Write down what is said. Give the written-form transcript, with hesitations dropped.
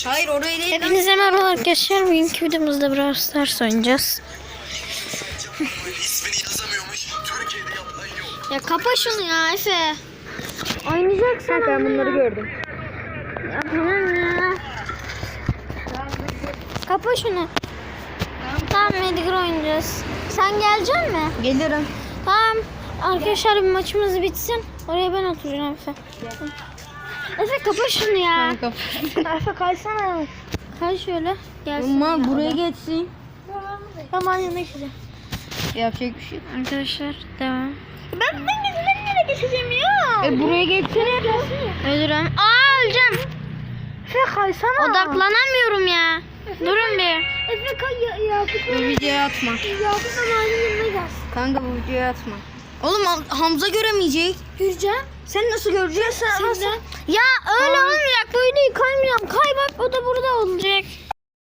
Hayır oraya değil. Hepinize merhaba arkadaşlar. Bugünkü videomuzda Brawl Stars oynayacağız. Ya kapa şunu ya Efe. Oynayacaksın. Ben bunları gördüm. Ya tamam ya. Kapa şunu. Tamam Edgar oynayacağız. Sen gelecek mi? Gelirim. Tamam. Arkadaşlar bir maçımız bitsin. Oraya ben oturacağım Efe. Efe kapa şunu ya. Efe kaysana. Kay şöyle. Gelsin. Ama buraya geçsin. Tamam yanına geçeceğim. Yapacak bir şey. Arkadaşlar devam. Ben nereye geçeceğim ya? Buraya geçsene. Ölürüm. Öleceğim. Efe kaysana. Odaklanamıyorum ya. Durun bir. Efe kay ya. Bu videoya atma. Yakup Amal'in yanına gelsin. Kanka bu videoya atma. Oğlum Hamza göremeyecek. Göreceğim. Sen nasıl göreceksin? Sen. Ya